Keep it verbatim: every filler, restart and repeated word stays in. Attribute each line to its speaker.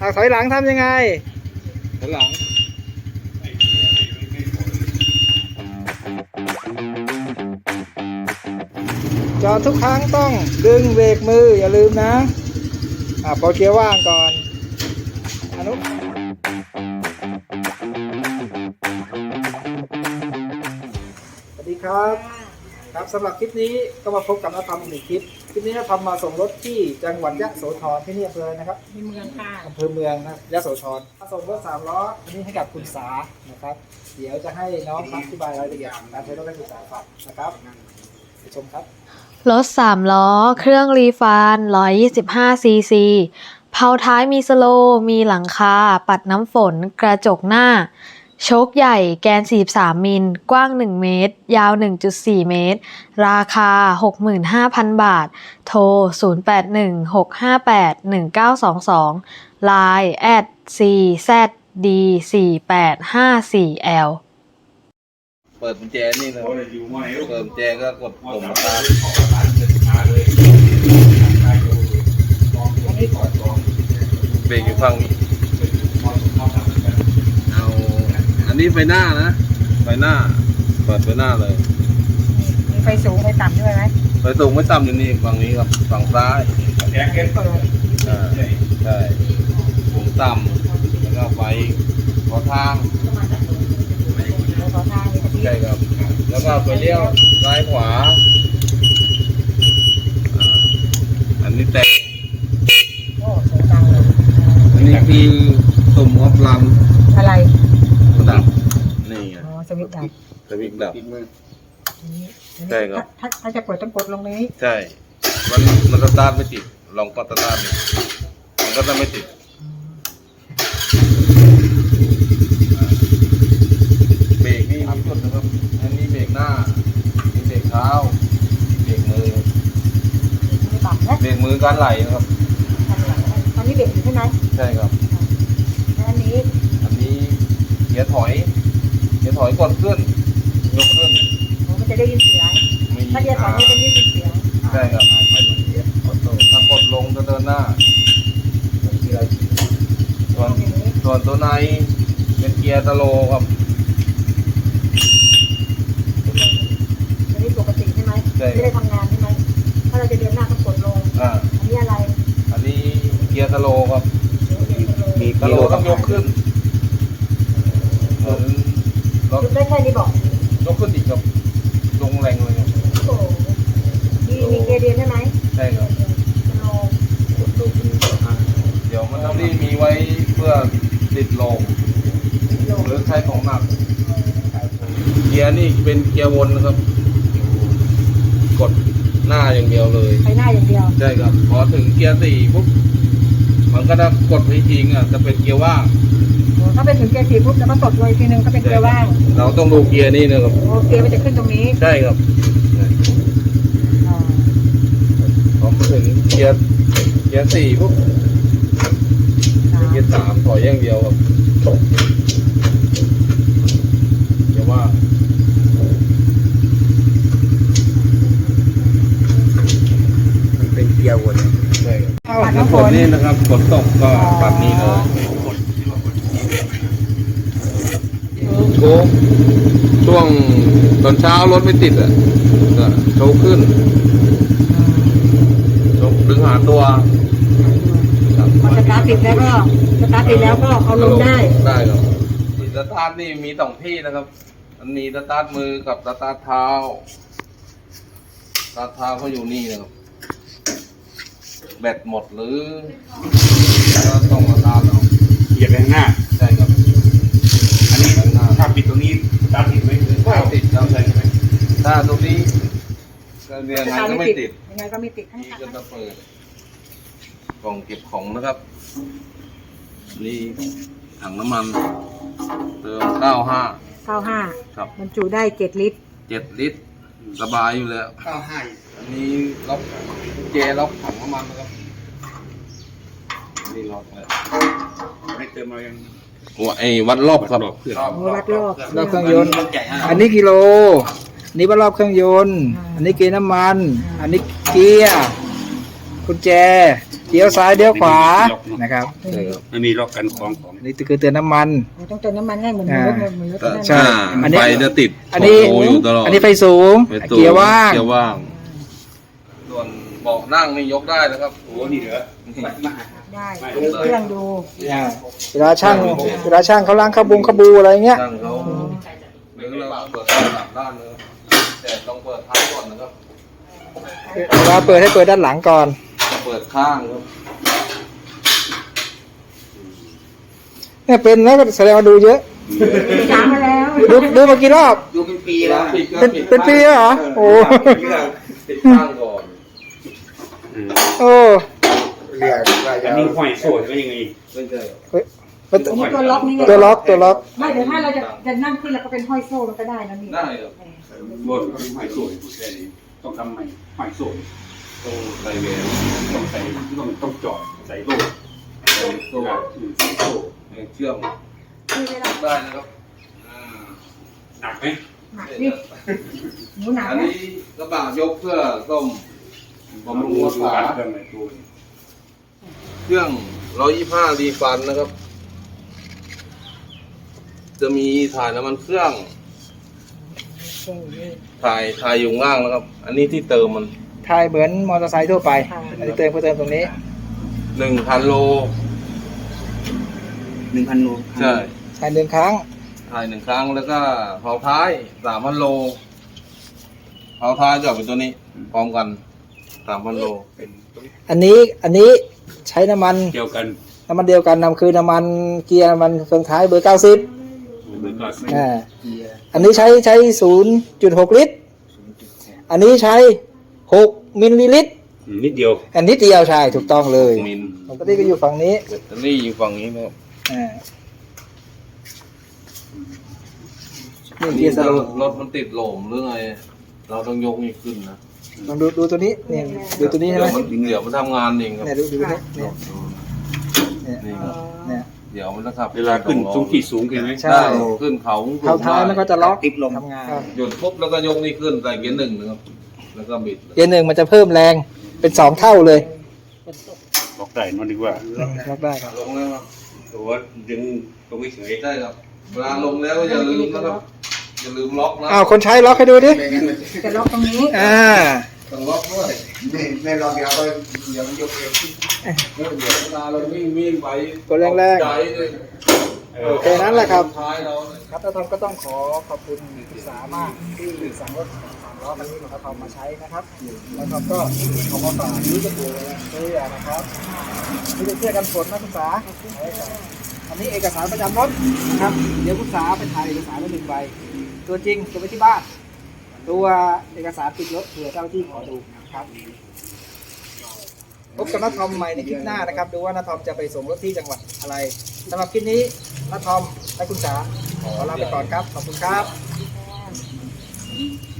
Speaker 1: อ่ะถอยหลังทำยังไงถอยหลังจอดทุกครั้งต้องดึงเบรกมืออย่าลืมนะอ่ะปล่อยเกียร์ว่างก่อนอนุสวัสดีครับครับสำหรับคลิปนี้ก็มาพบกับน้าทำอีกหนึ่งคลิปคลิปนี้น้าทำมาส่งรถที่จังหวัดยะโสธรที่นี่อำเภอนะครับ
Speaker 2: ในเมืองค่ะ
Speaker 1: อำเภอเมืองนะยะโสธรมาส่งรถสามล้ออันนี้ให้กับคุณสานะครับเดี๋ยวจะให้น้องอธิบายรายละเอียดการใช้รถให้คุณสาฟังนะครับไปชมครับ
Speaker 3: รถสามล้อเครื่องรีฟาน หนึ่งร้อยยี่สิบห้า ซี ซี เผาท้ายมีสโลว์มีหลังคาปัดน้ำฝนกระจกหน้าโชคใหญ่แกนสี่สิบสามมิลกว้างหนึ่งเมตรยาว หนึ่งจุดสี่ เมตรราคา หกหมื่นห้าพัน บาทโทรศูนย์ แปด หนึ่ง หก ห้า แปด หนึ่ง เก้า สอง สอง ไลน์ แอท ซี แซด ดี สี่ แปด ห้า สี่ แอล
Speaker 4: เปิดกุญแจนี่เลยเปิดกุญแจก็กดปุ่มสตาร์ทเบรกอยู่ฝั่งนี้เอาอันนี้ไฟหน้านะไฟหน้าเปิดไฟหน้าเลย
Speaker 2: มีไฟสูงไฟต่ำด้วยไหม
Speaker 4: ไฟสูงไม่ต่ำอยู่นี่ฝั่งนี้ครับฝั่งซ้าย
Speaker 2: เปิด
Speaker 4: อ่าใช่สูงต่ำแล้วก็ไฟขอทาง
Speaker 2: ขอทางมีกระพริบ
Speaker 4: ใช่ครับแล้วก็ไปเลี้ยวซ้ายขวาอันนี้แต่
Speaker 2: โอ้เสียงดังเลย
Speaker 4: อันนี้คือตุ่มออฟลัม
Speaker 2: อะไร
Speaker 4: ดับนี่ไง
Speaker 2: อ๋อสวิตช์ดับ
Speaker 4: สวิตช์ดับ
Speaker 2: ใช่ครับถ้าถ้าจะเปิดต้องกดลงนี้
Speaker 4: ใช่มันมันสตาร์ทไม่ติดลองกดสตาร์ทดูมันก็จะไม่ติดเบรกนี่มีจุดนะครับอันนี้เบรกหน้ามีเบรกเท้าเบรกมือเบรกมือการไหลนะครับ
Speaker 2: ตอนนี้เบรกอยู่ใช่ไหม
Speaker 4: ใช่ครับ
Speaker 2: แล้วอันนี้
Speaker 4: อันนี้เกียร์ถอยเกียร์ถอยกดขึ้นยกขึ้น
Speaker 2: มันจะได้ยินเสียงถ้าเกียร์ถอยนี่จะได้ยินเสียง
Speaker 4: ใช่ครับถ้ากดลงจะเดินหน้าส่วนส่วนตัวในเป็นเกียร์สโลว์ครับ
Speaker 2: อันนี้ปกติใช่ไหมไม่ได้ทำงานใช่ไหมถ้าเราจะเดินหน้าต้องกดลง
Speaker 4: อ่า
Speaker 2: อันนี้อะไร
Speaker 4: อันนี้เกียร์สโลว์ครับมีสโลว์ต้องยกขึ้นเหมือน
Speaker 2: รถได้แค่นี้บอก
Speaker 4: ยกขึ้นอีกครับลงแรงเลยครับ
Speaker 2: โอ้มีมีเกียร์เดียนใช่ไหม
Speaker 4: ใช่ครับเดี๋ยวมันต้องรีมีไว้เพื่อติดลงหรือใช้ของหนักเกียร์นี่เป็นเกียร์วนนะครับกดหน้าอย่างเดียวเลย
Speaker 2: ไปหน้าอย่างเดียว
Speaker 4: ใช่ครับพอถึงเกียร์สี่ปุ๊บมันก็จะกดไปทิ้งอ่ะจะเป็นเกียร์ว่าง
Speaker 2: ถ้าไปถึงเกียร์สี่ปุ๊บแล้วก็กดเลยทีนึงก็เป็นเกียร์ว่าง
Speaker 4: เราต้องดูเกียร์นี่นะครับ
Speaker 2: โอเคมันจะขึ้นตรงนี้
Speaker 4: ใช่ครับพอมาถึงเกียร์เกียร์สี่ปุ๊บเกียร์สามถอยอย่างเดียวครับเกียร์ว่าง
Speaker 1: เป็นเกียร์วน
Speaker 4: ใช่ครับน้ำฝนนี่นะครับฝนตกก็แบบนี้เลยโชว์ช่วงตอนเช้ารถไม่ติดอ่ะก็โชว์ขึ้นโชว์ดึงหาตัว
Speaker 2: พอสตาร์ทติดแล้วก็สตาร์ทติดแล้วก็เอาลงได้
Speaker 4: ได้ครับสตาร์ทนี่มีสองที่นะครับมันมีสตาร์ทมือกับสตาร์ทเท้าสตาร์ทเท้าเขาอยู่นี่นะครับแบตหมดหรือก็ต้องมาตามเอา
Speaker 5: เหยียบไปข้างหน้า
Speaker 4: ใช่ครับ
Speaker 5: อันนี้ถ้าปิดตรงนี้ตามติดไหม
Speaker 4: ไม่ติดครับใช่ไหมถ้าตรงนี้ก็ยังไงก็ไม่ติด
Speaker 2: ยังไงก็ไม่ติด
Speaker 4: นี่ก็จะเปิดกล่องเก็บของนะครับนี่ถังน้ำมันเติมเก้าห้า
Speaker 2: เก้าห้า
Speaker 4: ครับ
Speaker 2: บรรจุได้เจ็ดลิตร
Speaker 4: เจ็ดลิตรสบายอยู่แล้ว
Speaker 5: เก้าห้า
Speaker 4: อันนี้ล็อกเจล็อกถังน้ำมันนะครับนี่ล็อกเลย
Speaker 5: ไม่เติมเรายัง
Speaker 4: หัวไอ้วัดรอบครับ
Speaker 2: วัดรอบรอบเค
Speaker 1: รื่องยนต์อันนี้กิโลนี่วัดรอบเครื่องยนต์อันนี้เกียร์น้ำมันอันนี้เกียร์กุญแจ G เลี้ยวซ้ายเลี้ยวขวานะครับ
Speaker 4: ใช่ครับ
Speaker 5: มันมีล็อกกันของของ
Speaker 1: อันนี้คือเตือนน้ำมัน
Speaker 2: เราต้องเติมน้ำมันให้เหมือนรถเหมือนรถนั่น
Speaker 1: ใช่ อันนี้
Speaker 4: ไฟจะติด
Speaker 1: อันนี้
Speaker 4: โชว์อยู่ตลอด
Speaker 1: อันนี้ไฟสูง
Speaker 4: ไฟสูง
Speaker 1: เกียร์ว่าง
Speaker 4: เกียร์ว่าง ส่วนเบาะนั่งนี่ยกได้นะครับ
Speaker 5: โอ้นี่เหรอ
Speaker 2: ได้เครื่องดู
Speaker 1: อ่าเวลาช่างเวลาช่างเขาล้างขบุงขบูอะไรเงี้ย
Speaker 4: นั่งเขาหรือเราเปิดไฟสามด้านเลยแต่ต้องเปิดท้ายก่อนนะครับ
Speaker 1: เวลาเปิดให้เปิดด้านหลังก่อน
Speaker 4: เปิดข้างครับ
Speaker 1: เนี่ยเป็นแล้วก็แสดงว่าดูเยอะ
Speaker 2: จางมาแล้ว
Speaker 1: ดูดูมากี่รอบ
Speaker 5: ดูเป็นปีแล้ว
Speaker 1: เป็นเป็นปีแล้วเหรอโอ้
Speaker 4: ติดข้างก่อน
Speaker 1: โอ้
Speaker 5: อันนี้ห้อยโซ่ใช่ไหมยังไง
Speaker 4: ไม่ใช่
Speaker 1: เฮ้ย
Speaker 2: อันนี้ตัวล็อกนี่ไง
Speaker 1: ตัวล็อกตัวล็อก
Speaker 2: ไม่เดี๋ยวถ้าเราจะจะนั่งขึ้นเราก็เป็นห้อยโซ่มันก็ได้นะนี่
Speaker 4: ได้ครับ
Speaker 5: บนห้อยโซ่อยู่แค่นี้ต้องทำใหม่ห้อยโซ่
Speaker 4: ต้องใส่เวล
Speaker 5: ต้องใส่ต้องต้องจอดใส่โล่
Speaker 4: ใส่โซ่
Speaker 5: ใส่โซ่
Speaker 4: เชื่อม
Speaker 2: คือเวลา
Speaker 4: ได้นะครับอ่า
Speaker 5: หนักไหม
Speaker 2: หนักดิหนูหนัก
Speaker 4: อัน
Speaker 2: นะ
Speaker 4: นี้กระบะยกเพื่อต้มบำรุงรักษา
Speaker 5: เครื่องในตัว
Speaker 4: เครื่องร้อยยี่ห้ารีฟันนะครับ จะมีถ่ายน้ำมันเครื่อง
Speaker 2: เก่งนี่
Speaker 4: ถ่ายถ่ายอยู่ข้างล่างนะครับ อันนี้ที่เติมมัน
Speaker 1: ทายเหมือนมอเตอร์ไซค์ทั่วไป อันนี้เติมเพื่อเติมตรงนี้
Speaker 4: หนึ่งพันโล
Speaker 5: หนึ่งพันโล
Speaker 4: ใช่
Speaker 1: ทายหนึ่งครั้ง
Speaker 4: ถ่ายหนึ่งครั้งแล้วก็เผาท้ายสามพันโลเผาท้ายจะเป็นตัวนี้ พร้อมกันสามพันโล
Speaker 5: เป็น
Speaker 1: อันนี้อันนี้ใช้น้ำมัน
Speaker 5: เดียวกัน
Speaker 1: น้ำมันเดียวกันนำคือน้ำมันเกียร์น้ำมันเครื่องท้ายเบอร์เก้าสิบ
Speaker 5: เหมือนกัน
Speaker 1: อ่าอันนี้ใช้ใช้ศูนย์จุดหกลิตร อันนี้ใช้หกมิลลิลิตร
Speaker 5: นิดเดียว
Speaker 1: อันนี้เดียวใช่ถูกต้องเลย
Speaker 4: มิล
Speaker 1: ปกติก็อยู่ฝั่งนี้
Speaker 4: แบตเตอรี่อยู่ฝั่งนี้นะครับ
Speaker 1: อ่านี่
Speaker 4: อัน
Speaker 1: เกี
Speaker 4: นี้
Speaker 1: ยร์ส
Speaker 4: ถ้า
Speaker 1: โล
Speaker 4: รถมันติดโหลมหรือไงเราต้องยกนี่ขึ้นนะ
Speaker 1: ลองดูดูตัวนี้เนี่ยดูตัวนี้ใช่
Speaker 4: เดี๋
Speaker 1: ไห
Speaker 4: ย
Speaker 1: ม
Speaker 4: วมันเดี๋ยวมันทำงานเองครับ
Speaker 1: เนี่ยดูดูนี่เนี่ยเนี่ย
Speaker 4: นี่ครับ
Speaker 1: เนี่ย
Speaker 4: เดี๋ยวมันจะขับ
Speaker 5: เวลาขึ้นสูงที่สูงเห็นไหม
Speaker 1: ใช่
Speaker 4: ได้ขึ้นเขา
Speaker 1: เท้าท้ายมันก็จะล็อก
Speaker 5: ติดลม
Speaker 1: ทำงาน
Speaker 4: หยุดปุ๊บแล้วก็ยกนี่ขึ้นใส่เกียร์หนึ่งนะครับ แล้วก็บิดเลย
Speaker 1: เกียร์หนึ่งมันจะเพิ่มแรงเป็นสองเท่าเลย
Speaker 5: บอกได้นอนดีกว่า
Speaker 1: ล็อกได้ครับ
Speaker 4: ลงแล้วครับ
Speaker 5: ตัวดึงตรงนี้เฉย
Speaker 4: ใช่ครับเวลาลงแล้วอย่าลืมนะครับอย่าลืมล็อกนะ
Speaker 1: อ้าวคนใช้ล็อกให้ดูดิ
Speaker 2: จะล็อกตรงนี้
Speaker 1: อ่า
Speaker 4: ต้องล็อกด้วย
Speaker 6: ไม่ไม่ลองเดี๋ยวก็เดี๋ยวมันยกเอง
Speaker 4: เดี๋ยวเวลาเราวิ่งวิ่งไป
Speaker 1: กดแรง
Speaker 4: ใจเลย
Speaker 1: ๆโอเคนั้นแหละครับ
Speaker 4: ท้ายเราเนี่ย
Speaker 1: ครับท่านทอมก็ต้องขอขอบคุณศึกษามากที่สั่งรถสามล้อคันนี้ของท่านทอมมาใช้นะครับแล้วก็ก็ขอมาฝากนี้ก็ตัวเสื้อนะครับนี่เป็นเสื้อกันฝนนะคุณสาใช้ก่อนอันนี้เอกสารประจำรถนะครับเดี๋ยวคุณสาไปถ่ายเอกสารไว้หนึ่งใบตัวจริงเก็บไว้ที่บ้านตัวเอกสารติดรถเผื่อเจ้าหน้าที่ขอดูนะครับพบกับน้าทอมใหม่ในคลิปหน้านะครับดูว่าน้าทอมจะไปส่งรถที่จังหวัดอะไรสำหรับคลิปนี้น้าทอมและคุณสาขอลาไปก่อนครับขอบคุณครับ
Speaker 2: ค